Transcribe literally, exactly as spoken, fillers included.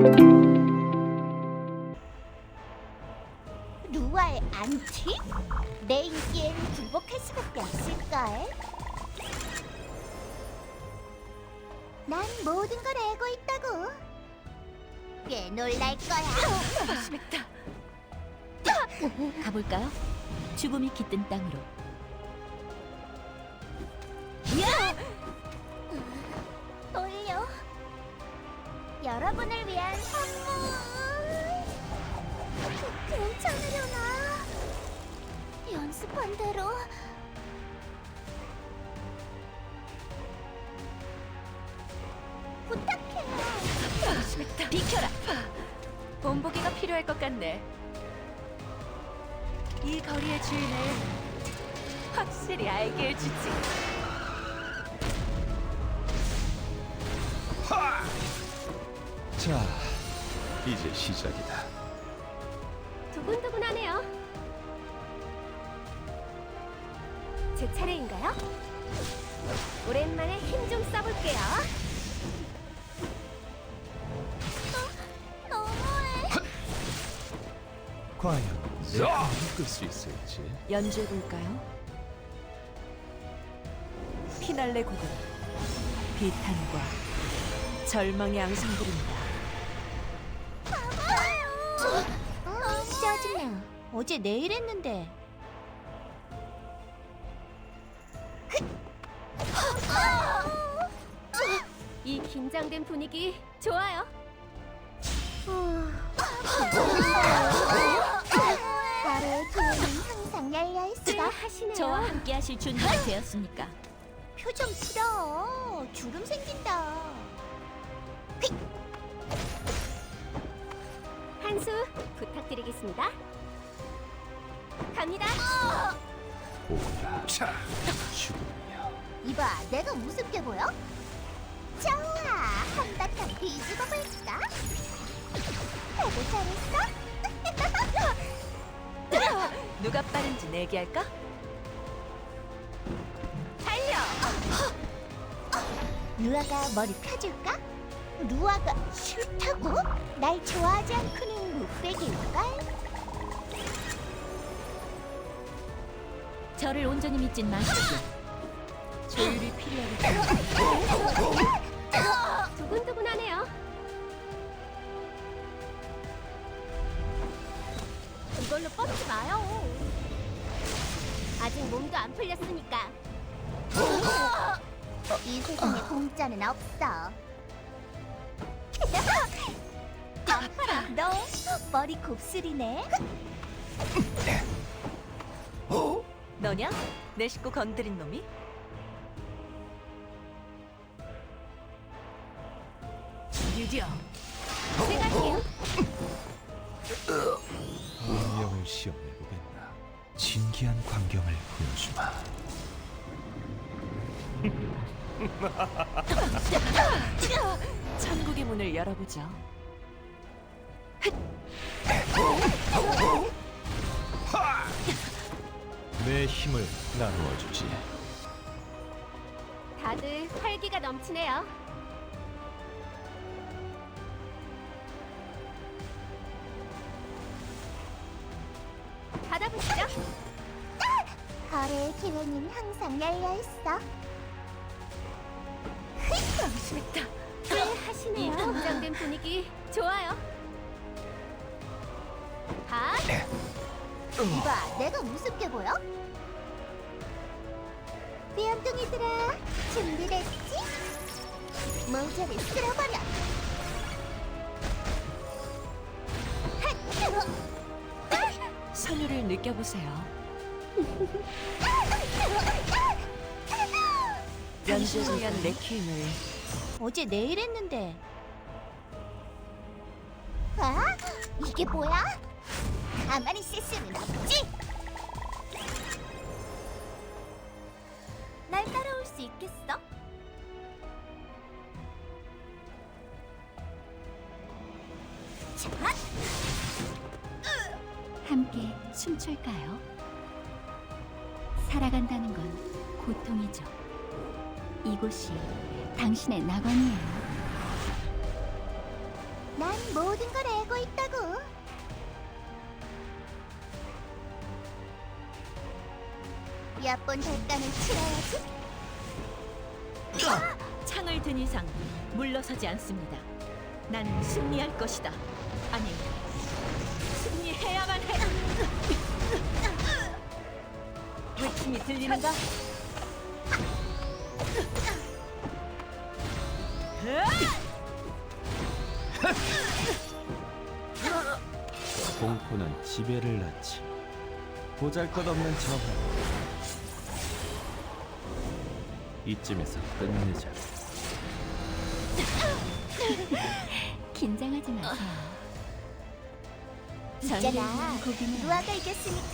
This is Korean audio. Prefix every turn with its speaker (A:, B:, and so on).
A: 루아의 안티? 내 인기엔 굴복할 수밖에 없을걸. 난 모든 걸 알고 있다고. 꽤 놀랄 거야.
B: 심했다. 가볼까요? 죽음이 깃든 땅으로.
A: 돌려. 여러분을 위한 선물. 괜찮으려나? 연습한 대로. 부탁해.
B: 심했다. 비켜라. 본보기가 필요할 것 같네. 이 거리의 주인을 확실히 알게 해주지.
C: 자, 이제 시작이다.
A: 두근두근하네요. 제 차례인가요? 오랜만에 힘 좀 써볼게요. 어, 너무해.
C: 과연 내가 이끌 수 있을지.
B: 연주해볼까요? 피날레 곡은 비탄과 절망의 앙상블입니다.
A: 짜증나. 어제 내일 했는데. 이 긴장된 분위기 좋아요. 나를 기회는 항상 열려 있어. 하시네요.
B: 저와 함께 하실 준비가 되었습니까?
A: 표정 풀어. 주름 생긴다. 한 수 부탁드리겠습니다. 갑니다.
C: 오라. 자, 죽음이야.
A: 이봐, 내가 우습게 보여? 좋아, 한바탕 뒤집어 볼까? 되게 잘했어?
B: 누가 빠른지 내기할까? 달려!
A: 루아가 머리 펴줄까? 루아가 싫다고? 날 좋아하지 않고는 못 빼길걸?
B: 저를 온전히 믿진 마시고 조율이 필요하겠다.
A: 두근두근하네요. 이걸로 뻗지 마요. 아직 몸도 안 풀렸으니까. 이 세상에 공짜는 없어. 아파라. 너 머리 곱슬이네.
B: 너냐? 내 식구 건드린 놈이? 유디어.
A: 제가 할게요.
C: 운명을 시험해보겠나. 진기한 광경을 보여주마.
B: 천국의 문을 열어보죠.
C: 내 힘을 나누어주지.
A: 다들 활기가 넘치네요. 받아보시죠. 거래의 기회는 항상 열려 있어.
B: 심했다.
A: 꽤 하시네요. 이 긴장된 분위기 좋아요. 봐. 이봐, 내가 우습게 보여? 삐염둥이들아, 준비됐지? 모자를 쓸어버려.
B: 선율을 느껴보세요. 연주를 위한 레퀴엠을
A: 어제 내일 했는데. 아? 이게 뭐야? 가만히 있을 수는 없지. 날 따라올 수 있겠어? 자,
B: 함께 춤출까요? 살아간다는 건 고통이죠. 이곳이 당신의 낙원이에요.
A: 난 모든 걸 알고 있다고. 몇 번 대가는 치러야지.
B: 창을 든 이상 물러서지 않습니다. 나는 승리할 것이다. 아니, 승리해야만 해. 외침이 들리는가?
C: 공포는 지배를 낳지. 보잘것없는 저항. 이쯤에서 끝내자.
B: 긴장하지 마세요.
A: 있잖아.
B: 고기는
A: 루아가 이겼으니까